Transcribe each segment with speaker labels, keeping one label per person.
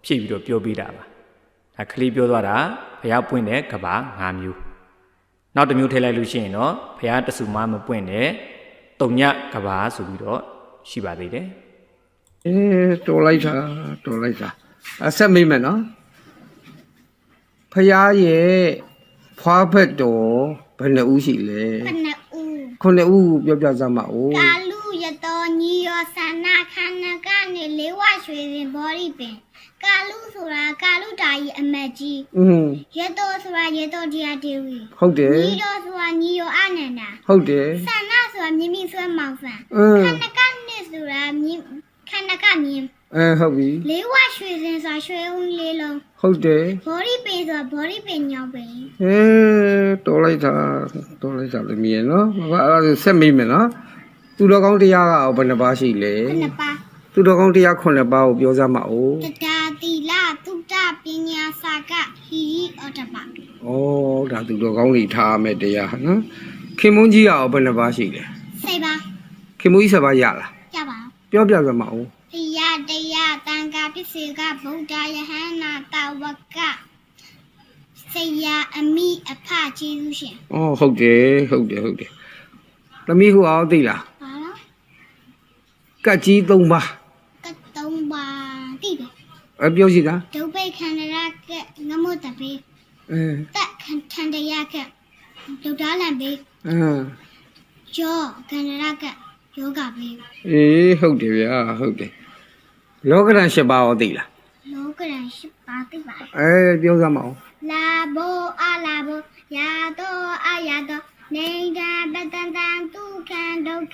Speaker 1: ဖြည့်ပြီးတော့ပြောပေးတာပါဒါကလေးပြောသွားတာဘုရားပွင့်တဲ့ကဘာ9မျိုးနောက်တစ်မျိုးထည့်လိုက်လို့ရှိရင်တော့ဘုရားတဆူမပွင့်တဲ့တုံညကဘာဆိုပြီးတော့ရှိပါသေးတယ်
Speaker 2: တော်လိုက်တာအဆက်မိမယ်နော်ဖရာရဲ့ဖွားဖက်တော်ဘယ်နှဦးရှိလဲ9ဦးပြောပြစမ်းပါဦး
Speaker 3: ကာလူရတော်ညီရောဆန္ဒခန္ဓာကနေလေးဝရွှေရင်ဘောရီပင်ကာလူဆိုတာကာလူတာကြီးအမတ်ကြီးရတော်ဆိုတာရတော်တရားဒေဝီ
Speaker 2: ဟုတ်တယ်
Speaker 3: ညီရောဆိုတာညီရောအနန္ဒာ
Speaker 2: ဟုတ်တယ်
Speaker 3: ဆန္ဒဆိုတာမြင့်မြင့်ဆွဲမောင်ဆန်ခန္ဓာကနေဆိုတာခန္ဓာကမြင်
Speaker 2: ဟုတ်ပြီ
Speaker 3: လေးဝရွှေစင်ဆိုတာရွှေဦးလေးလုံး
Speaker 2: ဟုတ်တယ်
Speaker 3: ဘောရီပင်ဆိုတာဘောရီပင်ညောင်းပင်
Speaker 2: တော်လိုက်တာလည်းမြင်နော်ဘာအဲ့ဒါဆက်မိမယ်နော်သူတော်ကောင်းတရားကဘယ်နှပါးရှိလဲ
Speaker 3: 9ပါး
Speaker 2: သူတော်ကောင်းတရား9ပါးကိုပြောစမ်းပါဦး
Speaker 3: တတာတိလသုတပညာစာကဟိရိဩတ္တပ
Speaker 2: ဒါသူတော်ကောင်းတွေထားမယ်တရားနော်ခင်မုန်းကြီးကဘယ်နှပါးရှိလဲ
Speaker 3: 10ပါး
Speaker 2: ခင်မုန်းကြီး10ပါးရလား
Speaker 3: ရပါ
Speaker 2: ပြောပြစမ်းပါဦး
Speaker 3: တရားတန်ခါပစ္စေကဗုဒ္ဓယဟန္နာတဝကဆရာအမိအဖကျေးဇူးရှင်
Speaker 2: ဟုတ်တယ်သမီးဟိုအောင်သိလား
Speaker 3: ဘာလို့
Speaker 2: ကတ်ကြီး3ပါး
Speaker 3: ကတ်3ပါးသိတယ်
Speaker 2: ပြောရှိတာ
Speaker 3: ဒုဗ္ဗေခန္ဓရကငမုတ္တပေတက်ခန္ဓရကဒုဒ္ဒလံပေယောခန္ဓရကယောဂပေ
Speaker 2: ဟုတ်တယ်ဗျာဟုတ်တယ်လောကရန်7ပါးရောသိလား
Speaker 3: လောကရန်7ပါးသိပါ
Speaker 2: ပြောစမ်းပါဦး
Speaker 3: လာဘောအလာဘောယာတောအယာတောနေတာပတန်တန်ဒုက္ခံဓာတ်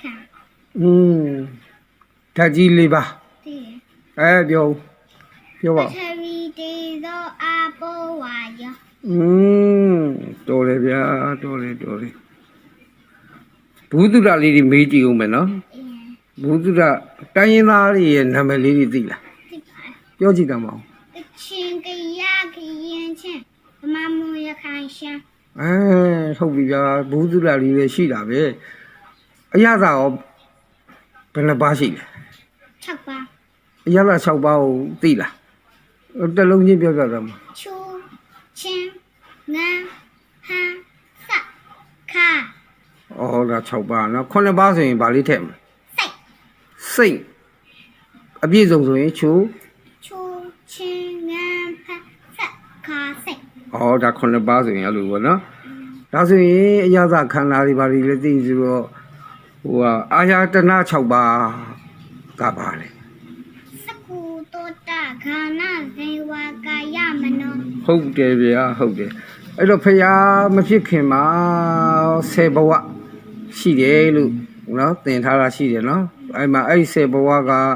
Speaker 2: ကြီး4ပါး
Speaker 3: သိတယ်
Speaker 2: ပြောပါ
Speaker 3: ပထဝီတေဇောအဘောဝါယော
Speaker 2: တော်တယ်ဗျာတော်တယ်ဘုဒ္ဓရာလေးတွေမေးကြည့်ဦးမယ်နော်ဘုဒ္ဓရာတိုင်းရင်းသားတွေရဲ့နာမည်လေးတွေသိလား
Speaker 3: သိပါတယ်
Speaker 2: ပြောကြည့်ကြပါဦး
Speaker 3: ချင်းကရခရင်ချင်းမမူရခိုင်ရှမ်း
Speaker 2: ဟုတ်ပြီဗျာဘုဒ္ဓရာလေးတွေရှိတာပဲအရသာရောဘယ်နှပါးရှိလဲ
Speaker 3: 6ပါး
Speaker 2: အရသာ6ပါးကိုသိလားတစ်လုံးချင်းပြောပြကြမှာ
Speaker 3: ချူချင်းငန်းဟန်းစခါ
Speaker 2: ဒါ6ပါးနော်9ပါးဆိုရင်ဗာလေးထည့်မလဲစိတ်အပြည့်စုံဆိုရင်ချူ
Speaker 3: ချင်းငန်းဖတ်စခါစိတ်
Speaker 2: ဒါ9ပါးဆိုရင်အဲ့လိုပေါ့နော်ဒါဆိုရင်အရသာခန္ဓာတွေဗာလေးလည်းသိဆိုတော့အာယတနာ6ပါးကပါလေ
Speaker 3: စကုတောတခန္ဓာဇေဝကာယမနော
Speaker 2: ဟုတ်တယ်ဗျာဟုတ်တယ်အဲ့တော့ဖရာမဖြစ်ခင်မှာ10ဘဝရှိတယ်လို့နော်သင်ထားတာရှိတယ်နော်အဲ့မှာအဲ့10ဘဝ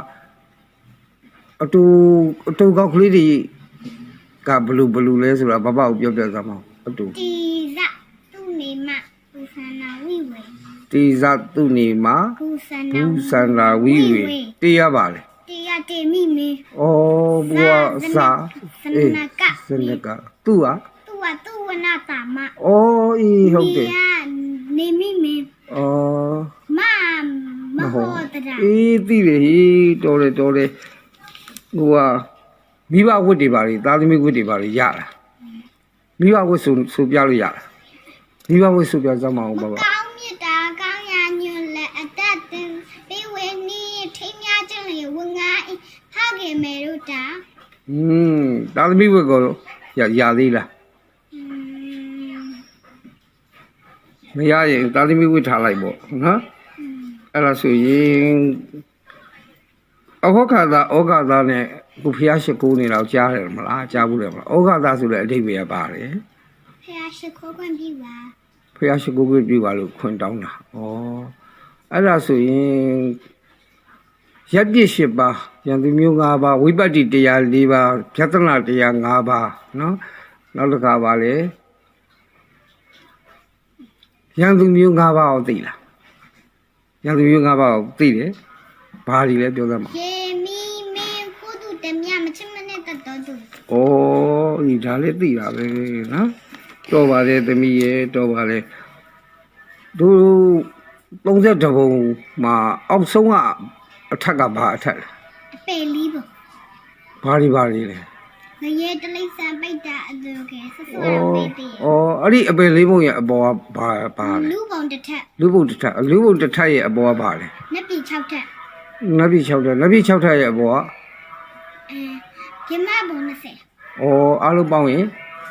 Speaker 2: ကအတူကောက်ကလေးတွေကဘလူလဲဆိုတာဘဘကိုပြောပြစမ်းပါအတူ
Speaker 3: တိဇသူနေမကုသနာဝိဝေ
Speaker 2: တိဇသူနေမ
Speaker 3: ကု
Speaker 2: သနာဝိဝေတရားပါလေ
Speaker 3: တရားတေမိမေ
Speaker 2: ဘုရားစာ
Speaker 3: စနက
Speaker 2: သူဟာ
Speaker 3: သူဝနာတာမ
Speaker 2: ဟုတ်တယ်
Speaker 3: နေမိမေမဟောတရာ
Speaker 2: သိတယ်တော်တယ်မိဘဝတ်တွေပါလေသားသမီးဝတ်တွေပါလေရတာမိဘဝတ်ဆိုပြလို့ရတာမိဘဝတ်ဆိုပြစမ်းမအောင်ပါ
Speaker 3: ကောင်းမြတ်တာကောင်းရာညွန်လက်အသက်တင်ပေးဝေနီးထိမ်းများခြင်းလေဝငါဖောက်ခင်မေတို့တာ
Speaker 2: သားသမီးဝတ်ကိုရသေးလားမရရင်သားသမီးဝတ်ထားလိုက်ပေါ့နော်အဲ့ဒါဆိုရင်ဩဃာသာနဲ့ကိုဖျားရှိခိုးနေတော့ကြားတယ်မလားကြားဘူးတယ်မလားဩဃာသာဆိုတဲ့အဓိပ္ပာယ်ပါတယ်
Speaker 3: ဖျားရှိခိုးခွင့်ပြုပါ
Speaker 2: ဖျားရှိခိုးခွင့်ပြုပါလို့ခွင့်တောင်းတာအဲ့ဒါဆိုရင်ရပ်ပြစ်10ပါးယံသူမျိုး5ပါးဝိပဿနာတရား4ပါးဖြတ်သနာတရား5ပါးနော်နောက်တစ်ခါပါလေယံသူမျိုး5ပါးကိုသိလားယံသူမျိုး5ပါးကိုသိတယ်ဘာတွေလဲပြောစမ်းပါ
Speaker 3: ယေမီမင်းကုတုတမြမချမနဲ့တတော်သူ
Speaker 2: ဒါလည်းသိတာပဲနော်တော်ပါလေသမီးရဲ့တော်ပါလေတို့32ဘုံမှာအောက်ဆုံးကအထက်ကဘာအထက်လဲ
Speaker 3: အပေလီးပေါ့
Speaker 2: ဘာတွေလဲ
Speaker 3: ငရဲတလိဆန်ပိတ်တာအတူကဲဆဆရမေးသေး
Speaker 2: အဲ့ဒီအပင်လေးပုံရဲ့အပေါ်ကဘာလဲ
Speaker 3: လူပုံတစ်ထက်
Speaker 2: လူပုံတစ်ထက်ရဲ့အပေါ်ကဘာလဲ
Speaker 3: နှစ်ပြည်6ထက်
Speaker 2: နတ်ပြည်6ထက်ရဲ့အပေါ်က
Speaker 3: ပြမပုံ20
Speaker 2: အားလုံးပေါင်းရင်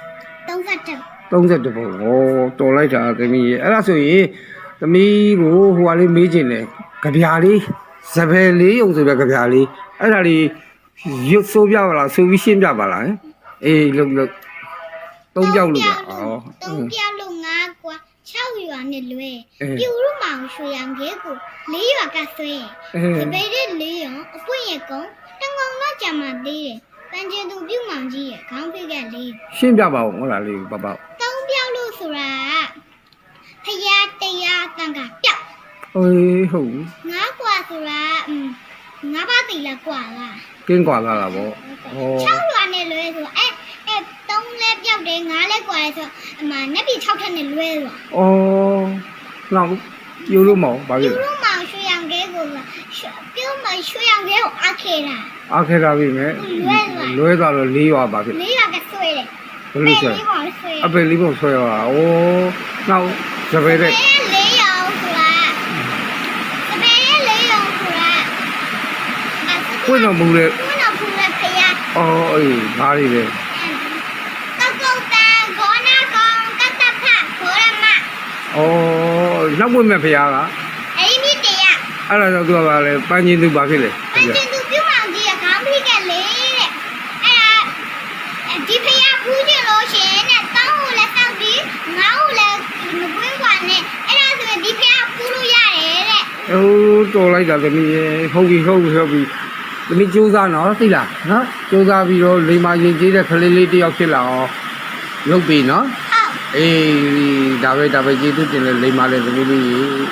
Speaker 3: 30
Speaker 2: 32ပုံတော်လိုက်တာသမီးရဲ့အဲ့ဒါဆိုရင်သမီးကိုဟိုဟာလေးမေးချင်တယ်ကြပြာလေးစပယ်လေးယုံဆိုတဲ့ကြပြာလေးအဲ့ဒါလေးရွတ်ဆိုးပြပါလားဆိုပြီးရှင်းပြပါလားအေးလုတ်သုံးပြောက်လို့ပါ
Speaker 3: 3ပြောက်လို့5ကွာ6ရွာနဲ့လွဲပြူရုမောင်ရွှေရောင်ကဲကို4ရွာကဆွဲစပယ်တဲ့4ရွာအပွင့်ရဲ့ကုန်းတငုံတော့ကြမှာသေးတယ်ပန်းကျင်သူပြုမောင်ကြီးရဲ့ခေါင်းပြက်ကလေး
Speaker 2: ရှင်းပြပါဦးဟုတ်လားလေးပပ
Speaker 3: 3ပြောက်လို့ဆိုတာဖယားတရားတန်ကပြောက်
Speaker 2: အေးဟုတ်
Speaker 3: 5ကွာဆိုတာ5ပါးတိလားကွာလား
Speaker 2: ကင်းကွာလာတာဗော
Speaker 3: 6ရွာနဲ့လွဲဆို3လဲပြောက်တယ်5လဲကွာလဲဆိုအမနဲ့ပြီ6ထက်နဲ့လွဲဆို
Speaker 2: နောက်ယူလို့မအောင်ဘာဖြစ်
Speaker 3: ပြူရုမောင်ရွှေရောင်ကဲကိုပြူမောင်ရွှေရောင်ကဲကိုအခဲတာ
Speaker 2: အခက်တာပြီမဲ့လွဲသွားတော့4ရွာပါဖြစ်
Speaker 3: 4ရွာကဆွဲတယ်
Speaker 2: ဘယ်လိုဆွဲအပယ်လေးပုံဆွဲရတာနောက်စပယ်တဲ့
Speaker 3: 4ရောင်ဆိုတာစပယ်4ရောင်ဆိုတာ
Speaker 2: ခွင့်တော်မူတဲ့
Speaker 3: ခုနကဖူးဖယား
Speaker 2: အေးဘာတွေလဲ
Speaker 3: တောက်တောက်တန်ခေါနာကောင်ကတ္တဖခေါရမ
Speaker 2: နောက်ဝင်မဲ့ဖရားက
Speaker 3: အဲ့ဒီတရား
Speaker 2: အဲ့ဒါကြောင့်သူကဘာလဲပန်းချင်းသူဘာဖြစ်လဲ
Speaker 3: ပန်းကျင်သူပြုမောင်ကြီးကခေါင်းဖိကလေတဲ့အဲ့ဒါဒီဖယားဖူးကြလို့ရှင်တဲ့တောင်းကိုလည်းတောက်ပြီးငါ့ကိုလည်းမကွင်းကွာနဲ့အဲ့ဒါဆိုရင်ဒီဖယားဖူးလို့ရတယ်တဲ့
Speaker 2: တော်လိုက်တာသမီးရေဟုတ်ပြီသမီးကြိုးစားနော်သိလားနော်ကြိုးစားပြီးတော့လိမ္မာရင်ကျေးတဲ့ကလေးလေးတယောက်ဖြစ်လာအောင်လုပ်ပြီနော်
Speaker 3: ဟုတ်
Speaker 2: အေးဒါပဲကျေးဇူးတင်လေလိမ္မာလေသမီးလေး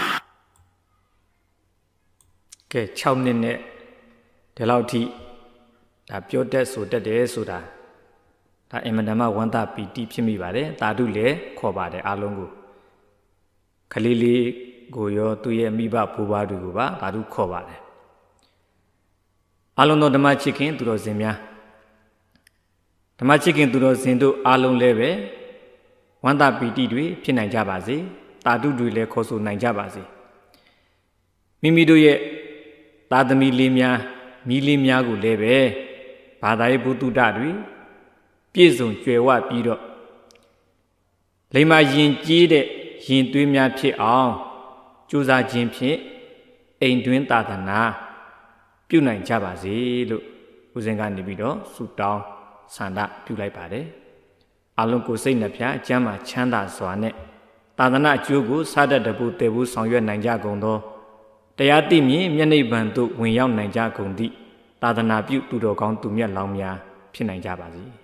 Speaker 1: ကဲ6နှစ်နဲ့ဒီလောက်ထိဒါပြောတတ်ဆိုတတ်တယ်ဆိုတာဒါအင်မတန်မှဝမ်းသာပီတိဖြစ်မိပါတယ်တာဓုလည်းခေါ်ပါတယ်အားလုံးကိုခလေးလေးကိုရောသူ့ရဲ့မိဘဘိုးဘွားတွေကိုပါတာဓုခေါ်ပါတယ်အားလုံးသောဓမ္မချစ်ခင်သူတော်စင်များဓမ္မချစ်ခင်သူတော်စင်တို့အားလုံးလည်းပဲဝမ်းသာပီတိတွေဖြစ်နိုင်ကြပါစေတာဓုတွေလည်းခေါ်ဆိုနိုင်ကြပါစေမိမိတို့ရဲ့သားသမီးလေးများမိလေးများကိုလည်းပဲဘာသာရေးဘုဒ္ဓတွေပြည့်စုံကြွယ်ဝပြီးတော့လိမ္မာရင်ကြီးတဲ့ရင်သွေးများဖြစ်အောင်ကြိုးစားခြင်းဖြင့်အိမ်တွင်းသာသနာပြုနိုင်ကြပါစေလို့ဦးဇင်းကနေပြီးတော့ဆုတောင်းဆန္ဒပြုလိုက်ပါတယ်အလုံးကိုစိတ်နှဖျားအကျမ်းမှာချမ်းသာစွာနဲ့သာသနာအကျိုးကိုစားတတ်တဲ့ဘုတည်ဘူးဆောင်ရွက်နိုင်ကြကုန်သောတရားသိမြင်မျက်နှိပ်ဗံသို့ဝင်ရောက်နိုင်ကြကုန်သည့်သာသနာပြုသူတော်ကောင်းသူမြတ်လောင်းများဖြစ်နိုင်ကြပါစေ